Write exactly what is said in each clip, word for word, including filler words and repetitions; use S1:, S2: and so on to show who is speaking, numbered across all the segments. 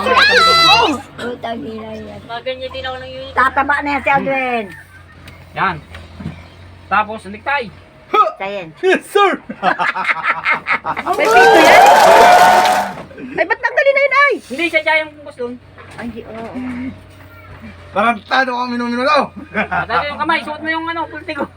S1: Utang ina yan.
S2: Maganyan din ako ng unit.
S1: Tataba na yan si Aldwin.
S3: Yan. Tapos, necktie.
S1: Sayin.
S4: Yes, sir!
S5: May pito yan? Ay, ba't tanggalin na yun ay?
S3: Hindi siya dyan yung bus doon.
S1: Ay, di, oo.
S4: Tarantado ka minumino daw!
S3: Dati yung kamay, suot mo yung ano, pulti ko.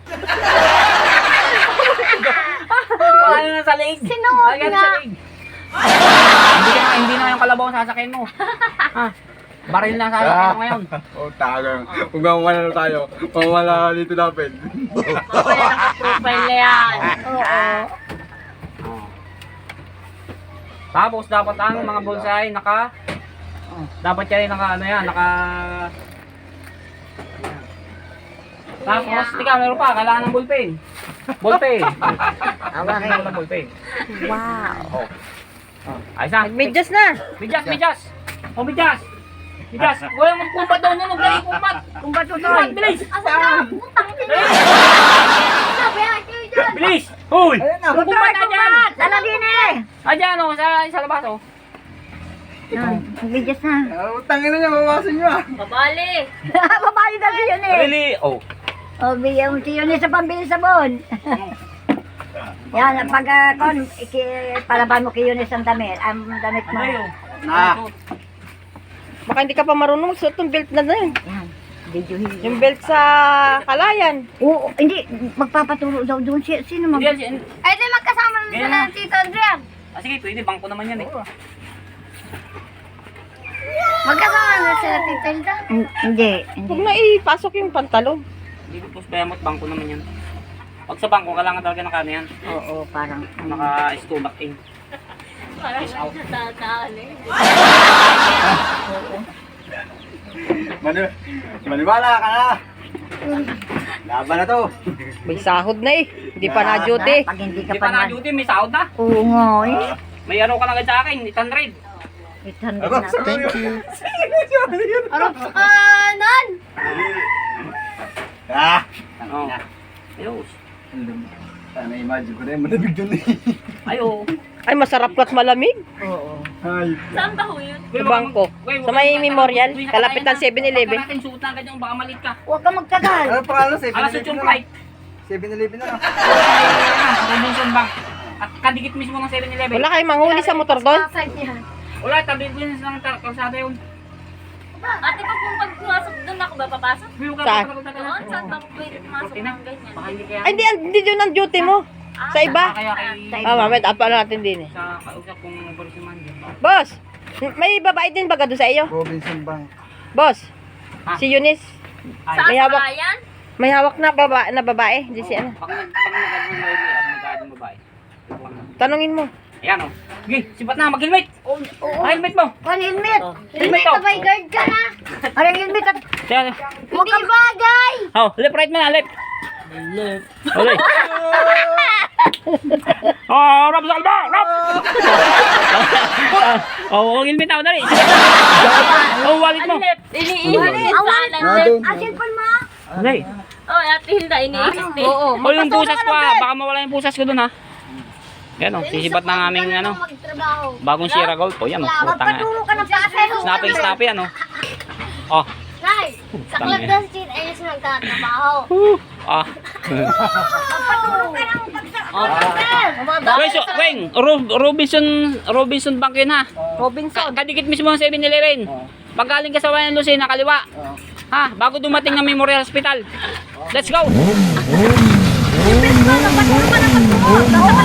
S3: Paano na sa leeg?
S1: Sinuot
S3: Ay, ganun
S1: nga.
S3: sa leeg. Hindi na, hindi na yung kalabaw ang sasakyan mo. Ha? Baril na ang sasakyan mo ngayon.
S4: Oh, tagang. Kung mamamala na tayo, mamamala dito natin.
S2: Wala nang profile na yan.
S1: Oo.
S3: Oh. Tapos dapat ang mga bonsai naka dapat yan naka ano yan, naka Tapos, tika, meron pa, kailangan ng ballpen. Ballpen.
S1: Awakin.
S3: Kailangan ng ballpen.
S1: Wow.
S3: Oh. Oh. Ayos na.
S5: Medyas na.
S3: Medyas, medyas. Oh, medyas. Medyas. Wala mong kumpat daw niya, magdali kumpat.
S1: Kumbat to,
S3: Kumpat,
S1: Toy.
S3: bilis.
S2: Asa na? Putang ina. Sabi ha, kayo dyan.
S3: Bilis. Hoy. Kumpat na dyan.
S1: Lalagyan eh.
S3: Ah, dyan, oh, sa, sa labas, oh.
S1: Yan, bidyas na.
S4: Ah, utangin na niya, mabawasan niyo ah.
S2: Babali.
S1: Babae na siya yun eh.
S3: Really? Oh.
S1: O, bigyan mo siya yun eh sa pambili sabon. Yan, pag uh, kon, iki, palaban mo kayo ni ang damit, ang damit mo.
S3: Ano yun?
S4: Ah.
S5: Baka hindi ka pa marunong magsuot ng belt na na yun.
S1: Yan, videohin.
S5: Yung belt sa kalayan.
S1: Oo, hindi, magpapaturo daw doon. Si, sino mag...
S3: Hindi, yan,
S2: Ay, di magkasama na
S3: Ganyan
S2: sila
S3: na.
S2: ng Tito Adrian.
S3: ah, sige, pwede, bangko naman yan eh.
S2: Magkasama na sila Tito Adrian.
S1: Hin- Hindi, hindi.
S5: Huwag na ipasok yung pantalon.
S3: Hindi ko post bayamot, bangko naman yan. Pag sa bangko, kailangan talaga ng kano yan.
S1: Oo, parang...
S3: Naka-stomach in.
S2: Parang natataan eh.
S4: Mani maniwala ka na! Laban na to!
S5: May sahod na eh. Hindi pa na-duty.
S1: Pag hindi ka
S3: Hindi
S1: pa
S3: pa na
S1: na...
S3: duty, may sahod na.
S1: Oo nga eh.
S3: May ano ka na agad sa akin, eight hundred.
S1: eight hundred na.
S4: Thank you!
S2: Arap sa kanan.
S4: Ah!
S3: Oh. Ayos.
S4: Sana imagine ko na yung malamig dun eh.
S3: Ayo.
S5: Ay, masarap at malamig.
S1: Oo.
S4: Ay,
S2: Saan ba ho yun?
S5: Sa bangko. Sa may memorial. Kalapit ng seven eleven.
S3: Pagka natin suot na agad yung baka malit ka.
S1: Huwag ka magtagal.
S4: ano pangalan?
S3: Alas eight yung flight.
S4: seven eleven na lang.
S3: Robinson Bank. At kadikit mismo ng seven eleven.
S5: Wala kayong manghuli sa motor doon?
S2: Saan yan?
S3: Wala, tabi ko yun ng tar- kalsada yun.
S2: Ate, pag kung pagpumasok doon ako ba papasok?
S3: Huwag ka
S5: Saan?
S3: pagkakatagal
S2: Doon?
S3: na.
S2: Saan ba pwede pumasok
S3: Kortina.
S2: ng ganyan?
S3: Baka hindi kaya.
S5: Ay, hindi, hindi doon ang duty mo. Sa iba.
S3: Kaya kay...
S5: Ah, mamaya, apa natin din eh.
S3: Sa kausap kong Boris Mando.
S5: Boss, may babae din baga doon sa iyo?
S4: Robinson Bank.
S5: Boss,
S3: Ah.
S5: si Eunice.
S3: Ay,
S2: Saan
S5: May
S2: sa
S5: hawak.
S2: bayan?
S5: May hawak na babae, na babae. Di si ano.
S3: Pag pag nag-ano mo yun, at nag-ano mo babae.
S5: Tanungin mo.
S3: Ayan o. Sige, sipat na, mag-helmet.
S1: Oo.
S3: Ah, helmet mo.
S1: Ano helmet?
S3: Helmet
S2: Hindi
S3: ko.
S2: ka by guard ka na.
S1: Ano yung helmet? at-
S3: Ayan.
S2: Hindi bagay.
S3: Oh, left, right mo na, left. Left. Okay. Oh, rap sa kalba, rap. Oh, ang helmet ako, dali. Oh, wallet mo.
S2: Iniiwan.
S1: Awan.
S4: Nandun.
S1: Ah, cellphone mo?
S3: Dali.
S2: Oh, Ate Hilda, iniisip din.
S5: Oo.
S3: Oh, yung pusas ko ha. Baka mawala yung pusas ko dun ha. Yan o, sisibat ng aming ano,
S2: Magtrabaho.
S3: bagong Sierra Gold. Oh, yan o, putang nga.
S1: Magpaturo ka ng pasero.
S3: Snappy, snappy ano. Oh,
S2: Nay, sa
S3: Tangina.
S2: Club Dance Team, ayun siya nagtatrabaho.
S3: ah.
S1: Magpaturo ka ng pasero.
S3: Weng, so, Weng, Ro- Robinson, Robinson Bank yun ha.
S5: Robinson.
S3: Ka- kadikit mismo ng seven eleven. Pag galing ka sa Wayan Lucena, kaliwa. Ha, bago dumating ng Memorial Hospital. Let's go!
S1: Magpaturo ka ng pasero.